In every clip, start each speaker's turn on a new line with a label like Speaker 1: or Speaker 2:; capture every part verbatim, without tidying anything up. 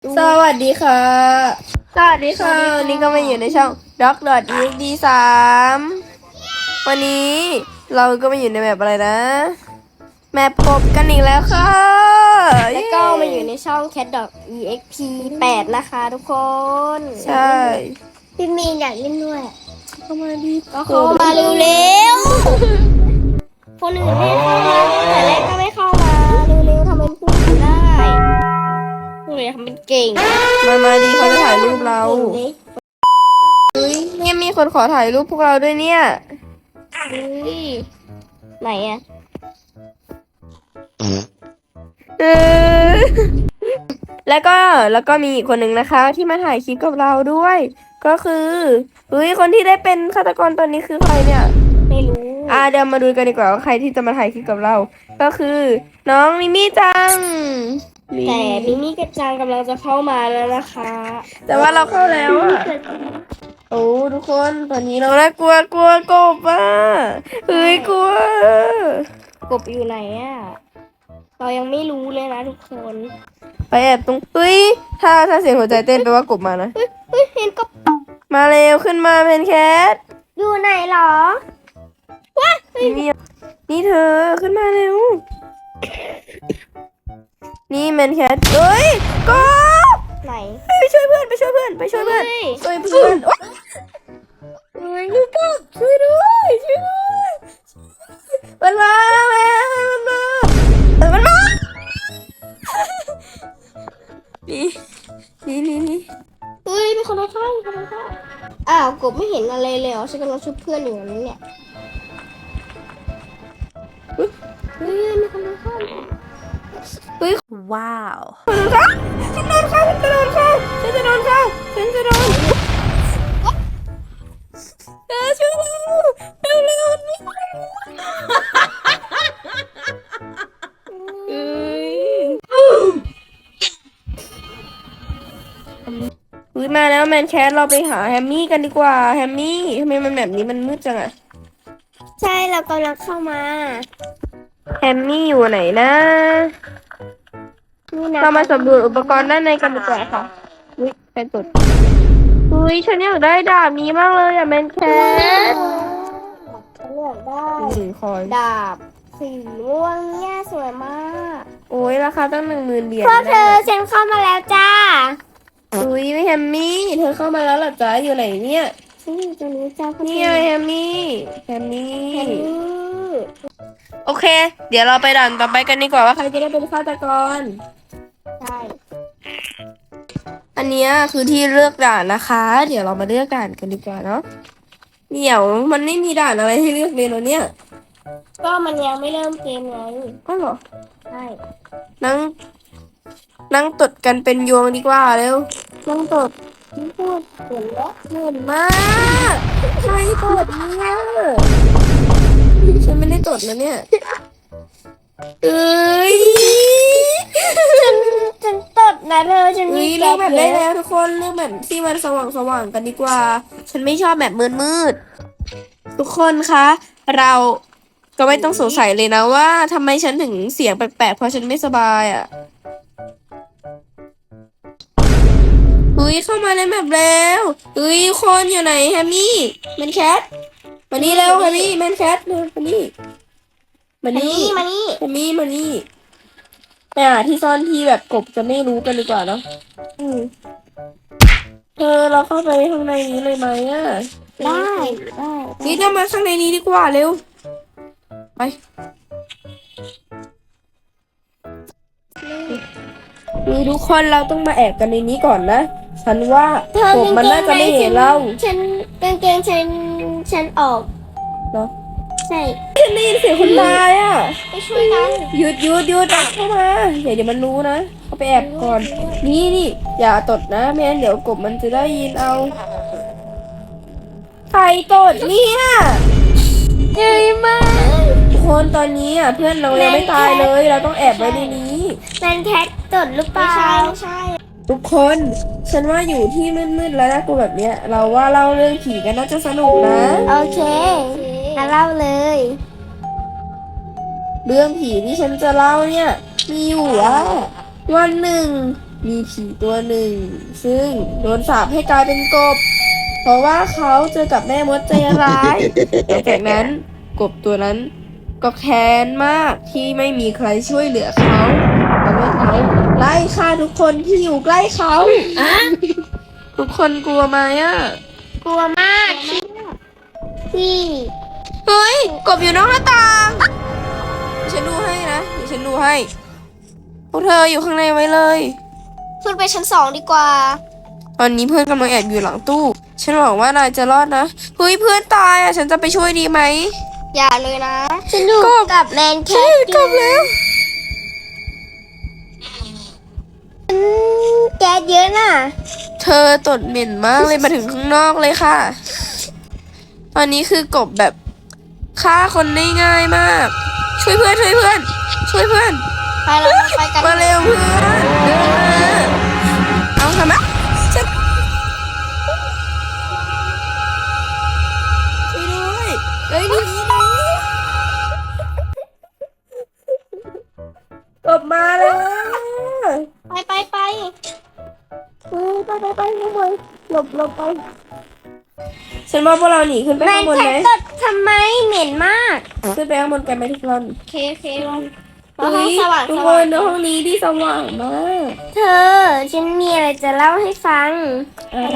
Speaker 1: สวัสดีค่ะ
Speaker 2: สวัสดีค่ะ
Speaker 1: วันนี้ก็มาอยู่ในช่อง ด็อก ดอท อี เอ็กซ์ ดี สาม วันนี้เราก็มาอยู่ในแมปอะไรนะ แมปกบกันอีกแล้วค่ะ
Speaker 2: แล้วก็มาอยู่ในช่อง แคท ดอท อี เอ็กซ์ พี แปด นะคะทุกคน
Speaker 1: ใช่
Speaker 2: พี่มีนอยากเล่นด้วย
Speaker 1: เข้ามาดี
Speaker 2: ก็เข้ามาเร็วๆคนอื่นไม่เข้ามาแต่แรกก็ไม่เข้ามาเร็วๆทำเป็นพูดไม่ได้พวกนี้ทำเป็นเก่ง
Speaker 1: มามาดีเขาจะถ่ายรูปเรา
Speaker 2: เก่ง
Speaker 1: เฮ้ยเนี่ยมีคนขอถ่ายรูปพวกเราด้วยเนี่ย
Speaker 2: เฮ้ยไหนอะ
Speaker 1: เออแล้วก็แล้วก็มีอีกคนหนึ่งนะคะ ที่มาถ่ายคลิปกับเราด้วย ก็คือเฮ้ยคนที่ได้เป็นฆาตกรตัวนี้คือใครเนี่ย
Speaker 2: ไม่รู้
Speaker 1: อ่าเดี๋ยวมาดูกันดีกว่าว่าใครที่จะมาถ่ายคลิปกับเรา ก็คือ น้องมิมี่จังนี่
Speaker 2: แต่มิมี่กับจังกำลังจะเข้ามาแล้วนะคะ
Speaker 1: แต่ว่าเราเข้าแล้วอะโอ้ทุกคนตอนนี้เราน่ากลัวกลัวกบอ่ะเฮ้ยกลัว
Speaker 2: กบอยู่ไหนอะเรายังไม่รู้เลยนะทุกคน
Speaker 1: ไปแอบตรงเฮ้ยถ้าถ้าเสียงหัวใจเต้นแปลว่ากบมานะ
Speaker 2: เฮ้ยเฮ้ยเห็นกบ
Speaker 1: มาเร็วขึ้นมาเพนแคท
Speaker 2: อยู่ไหนเหรอว้า
Speaker 1: นี่นี่เธอขึ้นมาเร็ว นี่แมนแคทเอ้ยกบ
Speaker 2: ไหน
Speaker 1: ไปช่วยเพื่อนไปช่วยเพื่อนไปช่วยเพื่อน
Speaker 2: เฮ้ย
Speaker 1: ช่วยเพื่อนโอ๊ยเฮ้ยลูกกบช่วยด้วยช่วยด้วยมันมาแม่มันมาเออมันมานี่นี่นี่นี่
Speaker 2: เฮ้ยมีคนเอาข้าวมีคนเอาข้าวอ้าวกบไม่เห็นอะไรเลยเหรอฉันกำลังช่วยเพื่อนอยู่นั่นเนี่ยเฮ้ยมีคนเอาข้าว
Speaker 1: เฮ้ย
Speaker 3: ว้าว
Speaker 1: ฉันโดนฆ่าฉันจะโดนฆ่าฉันจะโดนฆ่าฉันจะโดนเออช่วยเราเร็วเร็วนี่เอ้ยอุ้ยมาแล้วแมนแคทเราไปหาแฮมมี่กันดีกว่าแฮมมี่ทำไมมันแบบนี้มันมืดจังอะ
Speaker 2: ใช่เรากำลังเข้ามา
Speaker 1: แฮมมี่อยู่ไหนนะ
Speaker 2: นี่นะ
Speaker 1: เรามาสำรวจอุปกรณ์ด้านในกันดีกว่าค่ะอุ้ยใครตดอุ้ยฉันอยากได้ดาบนี้มากเลยอะแมนแคท
Speaker 2: ฉันอยากได้
Speaker 1: สีคอย
Speaker 2: ดาบสีม่วงเนี่ยสวยมาก
Speaker 1: โอ้ยราคาตั้งหนึ่งหมื่นเหรียญ
Speaker 2: พวกเธอฉันเข้ามาแล้วจ้า
Speaker 1: อุ้ยแฮมมี่เธอเข้ามาแล้วเหรอจ๊ะอยู่ไหนเนี่ย
Speaker 2: ฉันอยู่ตรงนี้จ้าพวก
Speaker 1: นี่
Speaker 2: เธ
Speaker 1: ไง
Speaker 2: อ
Speaker 1: แฮมมี่แฮมมี่
Speaker 2: เห็น
Speaker 1: โอเค เดี๋ยวเราไปด่านต่อไปกันดีกว่าว่าใครจะได้เป็นฆาตกร
Speaker 2: ใช่
Speaker 1: อันเนี้ยคือที่เลือกด่านนะคะ เดี๋ยวเรามาเลือกด่านกันดีกว่าเนาะเดี๋ยวมันไม่มีด่านอะไรให้เลือกเลยเนอะเนี่ย
Speaker 2: ก็มันยังไม่เริ่มเกมไง
Speaker 1: ก็เหรอ
Speaker 2: ใช่
Speaker 1: นั่งนั่งตดกันเป็นยวงดีกว่าเร็วนั่งตด
Speaker 2: ที่พูดเห็นแล้ว
Speaker 1: เหมือนมากใครตดเนี่ยฉันไม่ได้ตดนะเนี่ยเอ้ย
Speaker 2: ฉันฉันตดนะเธอฉัน
Speaker 1: เฮ้
Speaker 2: มี
Speaker 1: ย
Speaker 2: แก
Speaker 1: เลือก
Speaker 2: ป
Speaker 1: แบบ
Speaker 2: เย
Speaker 1: ได้
Speaker 2: อะ
Speaker 1: แล้วทุกคนเลือกแบบที่มันสว่างสว่างกันดีกว่า ฉันไม่ชอบแบบมืดมืดๆทุกคนคะ เราก็ไม่ต้องสงสัยเลยนะว่าทำไมฉันถึงเสียงแปลกๆเพราะฉันไม่สบายอ่ะอุ้ยเข้ามาในแบบแล้วอุ้ยคนอยู่ไหนแฮมมี่แมนแคทมานี่เร็วแฮมมี่แมนแคทเร็วมานี่มา
Speaker 2: มา
Speaker 1: นี่
Speaker 2: นี่มานี่
Speaker 1: แฮมมี่มานี่ไปหาที่ซ่อนที่แบบกบจะไม่รู้กันดีกว่าเนาะ
Speaker 2: อืม
Speaker 1: เธอเราเข้าไปข้างในนี้เลยไหมอ่ะ
Speaker 2: ได้ได้
Speaker 1: นี่เรามาข้างในนี้ดีกว่าเร็ว ไปนี่ทุกคนเราต้องมาแอบกันในนี้ก่อนนะ ฉันว่า
Speaker 2: เธอก
Speaker 1: บมันน่าจะไม่เห็นเรา
Speaker 2: ฉันกางเกงฉันฉันออก
Speaker 1: เนาะ
Speaker 2: ใช่
Speaker 1: ฉันได้ยินเสียงคนตายอ่ะ
Speaker 2: ไปช่วยกัน
Speaker 1: หยุดหยุดหยุดอ่ะเข้ามาเดี๋ยวเดี๋ยวมันรู้นะเขาไปแอบก่อน นี่นี่อย่าตดนะไม่งั้นเดี๋ยวกบมันจะได้ยินเอา ใครตดเนี่ยใหญ่มากทุกคนตอนนี้อ่ะเพื่อนเรายังไม่ตายเลย เราต้องแอบไว้ในนี้
Speaker 2: แมนแคทตดหรือเปล่าไม่ใช่ไม่ใช่
Speaker 1: ทุกคน ฉันว่าอยู่ที่มืดๆแล้วนะกูแบบเนี้ย เราว่าเล่าเรื่องผีกันน่าจะสนุกนะ
Speaker 2: โอเคมาเล่าเลย
Speaker 1: เรื่องผีที่ฉันจะเล่าเนี่ย มีอยู่ว่าวันหนึ่งมีผีตัวหนึ่ง ซึ่งโดนสาปให้กลายเป็นกบ เพราะว่าเขาเจอกับแม่มดใจร้ายหลังจากนั้นกบตัวนั้นก็แค้นมากที่ไม่มีใครช่วยเหลือเขาทำให้เขาไล่ฆ่าทุกคนที่อยู่ใกล้เขา ทุกคนกลัวไหมอ่ะ
Speaker 2: กลัวมากที่
Speaker 1: เฮ้ย กบอยู่นอกหน้าต่างฉันดูให้นะเดี๋ยวฉันดูให้ พวกเธออยู่ข้างในไว้เลย
Speaker 2: ขึ้นไปชั้นสองดีกว่า
Speaker 1: ตอนนี้เพื่อนกำลังแอบอยู่หลังตู้ ฉันหวังว่านายจะรอดนะ เฮ้ยเพื่อนตายอ่ะ ฉันจะไปช่วยดีไหม
Speaker 2: อย่าเลยนะ ฉันอยู่
Speaker 1: กบ
Speaker 2: กับแมนแค
Speaker 1: ใช่
Speaker 2: ท
Speaker 1: กบแล้ว
Speaker 2: อืมแก๊สเยอะน่ะ
Speaker 1: เธอตดเหม็นมากเลยมาถึงข้างนอกเลยค่ะ ตอนนี้คือกบแบบฆ่าคนได้ง่ายมาก ช่วยเพื่อนช่วยเพื่อน ช่วยเพื่อน
Speaker 2: ไปแล้วไปกัน
Speaker 1: มาเร็วเพื่อนเดินมาเอาทำไมฉันช่วยด้วยเฮ้ยหนี่นี่กบมาแล้ว
Speaker 2: ไปไปไป
Speaker 1: เออไปไปไปข้างบนหลบหลบไปฉันว่าพวกเราหนีขึ้นไป
Speaker 2: แม
Speaker 1: ข้าน งบน
Speaker 2: แค
Speaker 1: ไหม
Speaker 2: ทตดทำไมเหม็นมาก
Speaker 1: ขึ้นไปข้างบนกันไหมทุกคน
Speaker 2: โอเคโอเคลง
Speaker 1: เฮ้ย
Speaker 2: สว่าง
Speaker 1: ทุก
Speaker 2: ส
Speaker 1: ค
Speaker 2: ว่าง
Speaker 1: นในห้องนี้ที่สว่างมาก
Speaker 2: เธอ ฉันมีอะไรจะเล่าให้ฟัง
Speaker 1: อะไร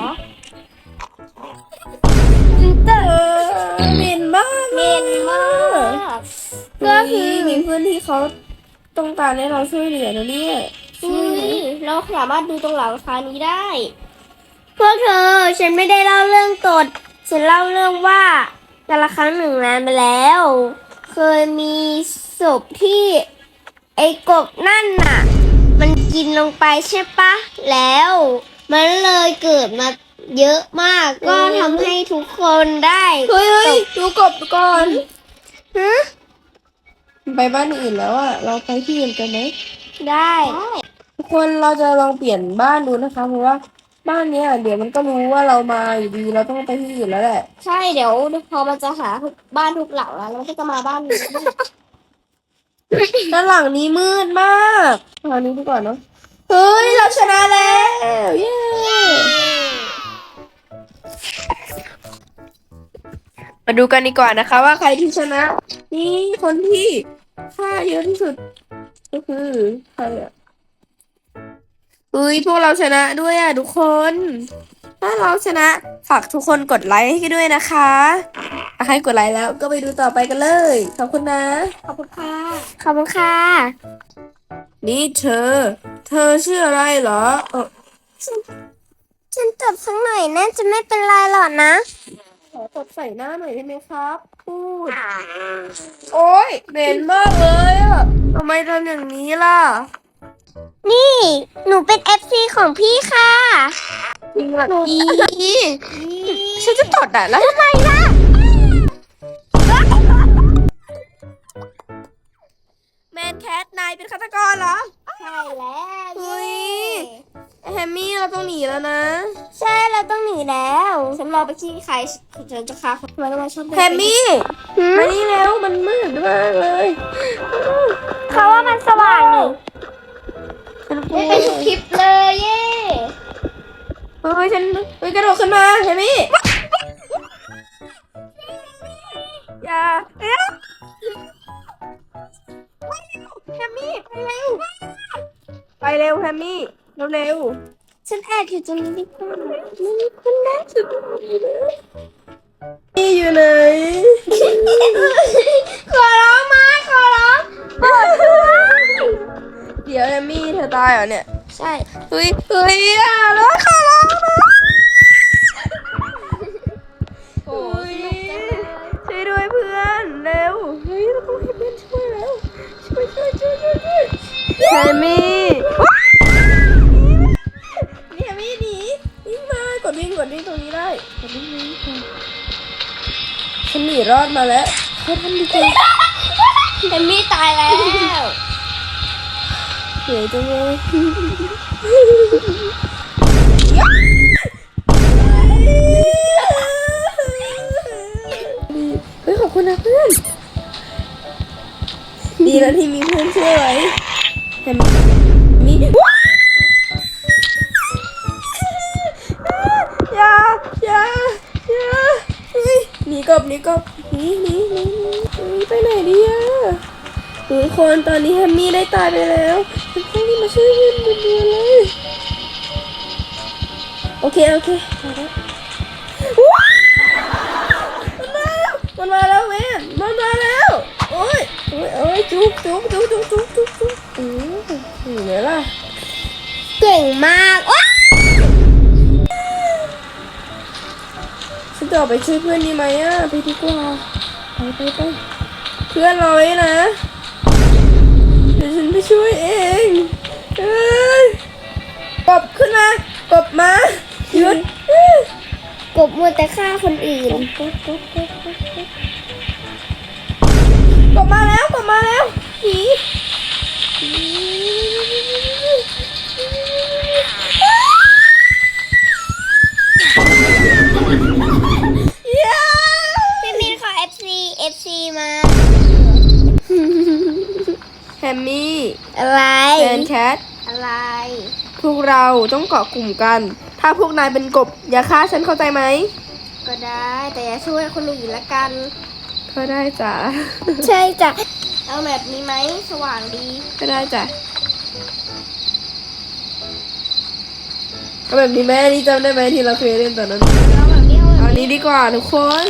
Speaker 2: ฉันเจอ
Speaker 1: เออเหม็นมาก
Speaker 2: เหม็นมาก
Speaker 1: ก็คือมีเพื่อนที่เขาต้องการให้เราช่วยเหลือนะเนี่ย
Speaker 2: อุ้ยเราสามารถดูตรงหลังคานี้ได้ พวกเธอ ฉันไม่ได้เล่าเรื่องตด ฉันเล่าเรื่องว่าแต่ละครั้งหนึ่งนานไปแล้ว เคยมีศพที่ไอ้กบนั่นน่ะ มันกินลงไปใช่ปะ แล้ว มันเลยเกิดมาเยอะมาก ก็ทำให้ทุกคนได้
Speaker 1: เฮ้ยเฮ้ยดูกบก่อน
Speaker 2: ฮะ
Speaker 1: ไปบ้านอื่นแล้วอะเราไปที่อื่นกันไหม
Speaker 2: ได้
Speaker 1: ทุกคนเราจะลองเปลี่ยนบ้านดูนะคะ เพราะว่าบ้านเนี้ยเดี๋ยวมันก็รู้ว่าเรามาอยู่ดีเราต้องไปที่อื่นแล้วแหละ
Speaker 2: ใช่เดี๋ยวพอมันจะหาบ้านทุกหลังแล้วเราก็จะมาบ้านนี้
Speaker 1: ด้านหลังนี้มืดมากทางนี้ดีกว่าเนาะ เฮ้ยเราชนะแล้วเย้มาดูกันดีกว่านะคะ ว่าใครที่ชนะ นี่คนที่ฆ่าเยอะที่สุด ก็คือใครอะเฮ้ยพวกเราชนะด้วยอ่ะทุกคน ถ้าเราชนะฝากทุกคนกดไลค์ให้ด้วยนะคะถ้าใครกดไลค์แล้วก็ไปดูต่อไปกันเลย ขอบคุณนะ
Speaker 2: ขอบคุณค่ะ ขอบคุณค่ะ
Speaker 1: นี่เธอ เธอชื่ออะไรเหรอเออ
Speaker 2: ฉันตบสักหน่อยน่าจะไม่เป็นไรหรอกนะ
Speaker 1: ขอตบใส่หน้าหน่อยได้ไหมครับ พูด โอ๊ยเหม็นมากเลยอะทำไมทำอย่างนี้ล่ะ
Speaker 2: นี่ หนูเป็น เอฟ ซี ของพี่ค่ะ
Speaker 1: จริงเหรออีฉันจะตดอ่ะแล้วทำไมล่ะ แมนแคทนายเป็นฆาตกรเหรอ
Speaker 2: ใช่แล้ว
Speaker 1: เฮ้ย แฮมมี่เราต้องหนีแล้วนะ
Speaker 2: ใช่เราต้องหนีแล้ว ฉันรอไปที่ใครฉันจะฆ่าทำไมต้องมาชอบ
Speaker 1: แฮมมี่มานี่แล้วมันมืดมากเลย
Speaker 2: เขาว่ามันสว่างนี่
Speaker 1: ฉันกลั
Speaker 2: ไม่
Speaker 1: ว
Speaker 2: เป็นทุกคลิปเลยเย่
Speaker 1: เฮ้ยฉันเฮ้ยกระโดดขึ้นมาแฮมมี่อย่าเอ๊ะแฮมมี่ไปเร็วไปเร็วแฮมมี่เร็วเร็ว
Speaker 2: ฉันแอบอยู่ตรงนี้ดีกว่าไม่มีคนนะ
Speaker 1: นี่อยู่ไหน
Speaker 2: ขอร้องมาขอร้องเปิดด้วย
Speaker 1: เดี๋ยวแฮมมี่เธอตายเหรอเนี่ย
Speaker 2: ใช่
Speaker 1: เฮ้ยเฮ้ยอย่าแล้วขอร้องนะ
Speaker 2: โอ้ย
Speaker 1: ช่วยด้วยเพื่อนเร็วเฮ้ยเราต้องให้เพื่อนช่วยแล้วช่วยช่วยช่วยช่วยช่วยแฮมมี่นี่แฮมมี่หนีวิ่งมากดวิ่งกดวิ่งตรงนี้ได้กดวิ่งวิ่งวิ่งฉันหนีรอดมาแล้วเขาทำดีจัง
Speaker 2: เอมมี่ตายแล้ว
Speaker 1: เหนื่อยจังเลยเฮ้ยขอบคุณนะเพื่อนดีแล้วที่มีเพื่อนช่วยไว้เห็นมีกบหนีกบหนีหนีหนีหนีไปไหนดีอะทุกคนตอนนี้แฮมมี่ได้ตายไปแล้วฉันต้องรีบมาช่วยเพื่อนด่วนๆเลยโอเคโอเคมาแล้วว้าวมันมาแล้วมันมาแล้วแม่มันมาแล้วโอ้ยโอ้ยโอ้ยจุ๊บจุ๊บจุ๊บจุ๊บจุ๊บจุ๊บจุ๊บอืมอยู่ไหนล่ะ
Speaker 2: เก่งมากว้า
Speaker 1: ฉันจะออกไปช่วยเพื่อนดีไหมอ่ะไปดีกว่าไปไปไปเพื่อนรอไว้นะเดี๋ยวฉันไปช่วยเองเอ้ยกบขึ้นมากบมาหยุด
Speaker 2: กบมัวแต่ฆ่าคนอื่น
Speaker 1: กบกบกบกบกบกบมาแล้วกบมาแล้วหนีเย้
Speaker 2: พี่มินขอ เอฟ ซี เอฟ ซี มา
Speaker 1: แฮมมี่
Speaker 2: อะไร
Speaker 1: แฟนแคท
Speaker 2: อะไร
Speaker 1: พวกเราต้องเกาะกลุ่มกัน ถ้าพวกนายเป็นกบอย่าฆ่าฉันเข้าใจไหม
Speaker 2: ก็ได้แต่อย่าช่วยคนอื่นละกัน
Speaker 1: ก็ได้จ้ะ
Speaker 2: ใช่จ้ะเอาแบบนี้ไหมสว่างดี
Speaker 1: ก็ได้จ้ะเอาแบบนี้แม่นี่จำได้ไหมที่เราเคยเล่นตอนนั้น
Speaker 2: เอาแบบนี้เอาแบบ
Speaker 1: เอา
Speaker 2: นี้
Speaker 1: นี้ดีกว่าทุกคน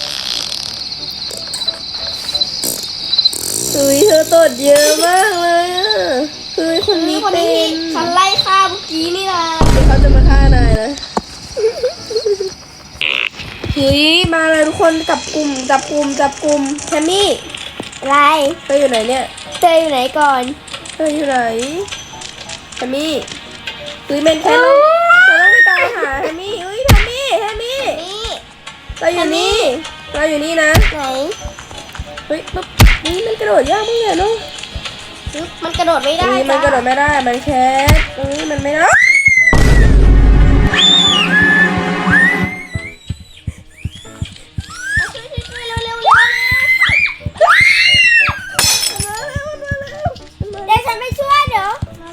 Speaker 1: เฮ้ยเธอตดเยอะมากเลยอ่ะเฮ้ยคนนี้
Speaker 2: คน
Speaker 1: เป็
Speaker 2: นี้
Speaker 1: น
Speaker 2: ฉันไล่ฆ่าเมื่อกี้นี่นะ
Speaker 1: เขาจะมาฆ่านายนะเฮ้ยมาเลยทุกคนจับกลุ่มจับกลุ่มจับกลุ่มแฮมมี่
Speaker 2: อะไร
Speaker 1: เธออยู่ไหนเนี่ย
Speaker 2: เจออยู่ไหนก่อน
Speaker 1: เธออยู่ไหนแฮมมี่เฮ้ยแมนแคนเราเราต้องไปตามหาแฮมมี่เฮ้ยแฮมมี่แฮมมี่
Speaker 2: นี่
Speaker 1: เราอยู่นี่เราอยู่นี่นะ
Speaker 2: ไหน
Speaker 1: เฮ้ยปุ๊บนี่มันกระโดดยากมากเลยเนาะ
Speaker 2: ปึ๊บมันกระโดดไม่ได้
Speaker 1: เฮ้ยมันกระโดดไม่ได้มันแคสเฮ้ยมันไม่ได้
Speaker 2: ช่วยๆๆเร็วๆเร็วเดี๋ยวฉันไปช่วยเดี๋ยว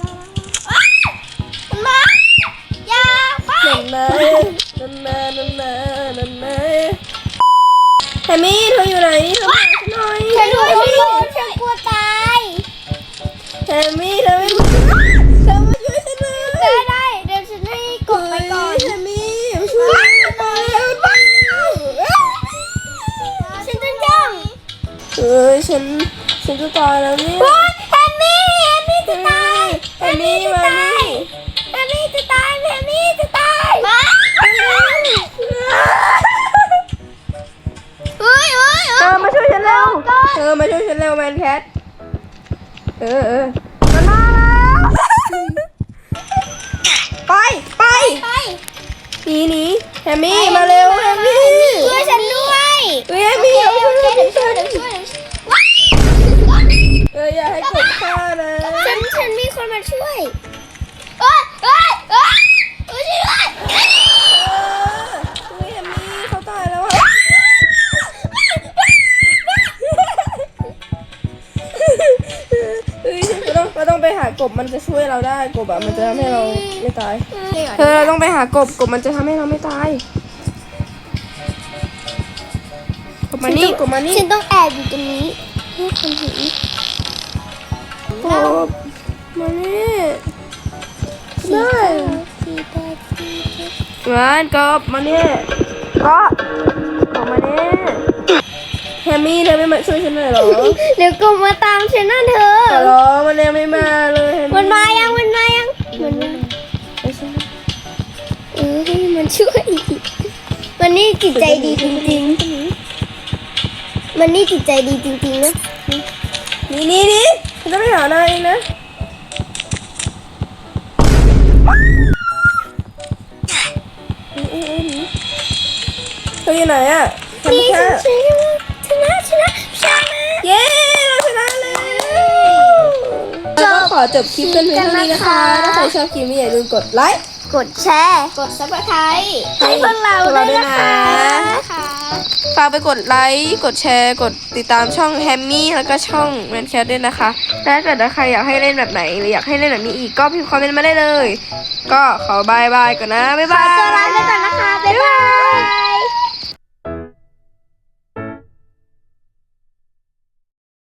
Speaker 2: มันมาอย่าไป
Speaker 1: นั่นนะนั่นนะนั่นนะนั่นนะแฮมมี่เธออยู่ไหนเธอมาหาฉันหน่อย
Speaker 2: ฉันรู้ฉันรู้ฉันกลัวตาย
Speaker 1: แฮมมี่เธอไม่มาเธอมาช่วยฉันเลย
Speaker 2: ได้ได้เดี๋ยวฉันให้กดไปก่อน
Speaker 1: แฮมมี่มาช่วยฉันหน่อยเร็ว
Speaker 2: ฉันจะย่อง
Speaker 1: เอ้ยฉันฉันจะตายแล้วเนี่ย
Speaker 2: โอ๊ยแฮมมี่แฮมมี่จะตาย
Speaker 1: แฮมมี่มานี่
Speaker 2: แฮมมี่จะตายแฮมมี่จะตายมาเฮ้ยเฮ้ย
Speaker 1: เธอมาช่วยฉันเร็วเธอมาช่วยฉันเร็วแมนแคทเออเออมันมาแล้วไปไป
Speaker 2: ไป
Speaker 1: หนีหนีแฮมมี่มาเร็วแฮมมี่
Speaker 2: ช่วยฉันด้วย
Speaker 1: เฮ้ยแฮมมี่
Speaker 2: เดี๋ยว
Speaker 1: เอาช่วย
Speaker 2: เดี๋ยว
Speaker 1: ฉัน
Speaker 2: เดี๋ยวช่วย
Speaker 1: ช่วย
Speaker 2: เดี๋ยวช่วย
Speaker 1: เอออย่าให้กดฆ่านะ
Speaker 2: ฉันฉันมีคนมาช่วยเอ้ยเอ้ยเอ้ยช่วยด้วย
Speaker 1: เออเฮ้ยแฮมมี่เขาตายแล้วอะเฮ้ยเราต้องเราต้องไปหากบมันจะช่วยเราได้กบอะมันจะทำให้เราไม่ตาย เธอเราต้องไปหากบกบมันจะทำให้เราไม่ตายกบมานี่กบมานี่
Speaker 2: ฉันต้องแอบอยู่ตรงนี้เพื่อคนเห็น
Speaker 1: กบมานี่ได้งานกบมานี่ก็กบมานี่แฮมมี่เธอไม่มาช่วยฉันหน่อยเหรอ
Speaker 2: เดี๋ยวกบมาตามฉันนะเธอ
Speaker 1: แต่หรอมันยังไม่มาเลยแฮ
Speaker 2: มันมายังมันมายังมันมา
Speaker 1: ไม่ใช่
Speaker 2: เออให้มันช่วยมันนี่จิตใจดีจริงๆมันนี่จิตใจดีจริงๆนะ
Speaker 1: นี่นี่นี่ฉันจะไปหานายเองนะเอ้ยเอ้ยเอ้ยหนีเธออยู่ไหนอะทำ
Speaker 2: นี่
Speaker 1: แค่
Speaker 2: ฉันชนะชนะชนะ
Speaker 1: เย้เราชนะแล้วก็ขอจบคลิปกันเพียงเท่านี้นะคะ ถ้าใครชอบคลิปนี้อย่าลืมกดไลค์
Speaker 2: กดแชร์กดซับสไครต์ให้พวกเรา
Speaker 1: พวก
Speaker 2: ด้
Speaker 1: เรา
Speaker 2: วย
Speaker 1: ด้วย
Speaker 2: นะ
Speaker 1: นะคะ
Speaker 2: คะ
Speaker 1: ฝากไปกดไลค์ กดแชร์ กดติดตามช่องแฮมมี่แล้วก็ช่องแมนแคทด้วยนะคะและถ้าเกิดว่าใครอยากให้เล่นแบบไหน หรืออยากให้เล่นแบบนี้อีกก็พิมพ์คอมเมนต์มาได้เลย ก็ขอบายบายก่อนนะ บ๊าย
Speaker 2: ข
Speaker 1: บา
Speaker 2: อย ตัวลาไปก่อนนะคะ บ๊ายบาย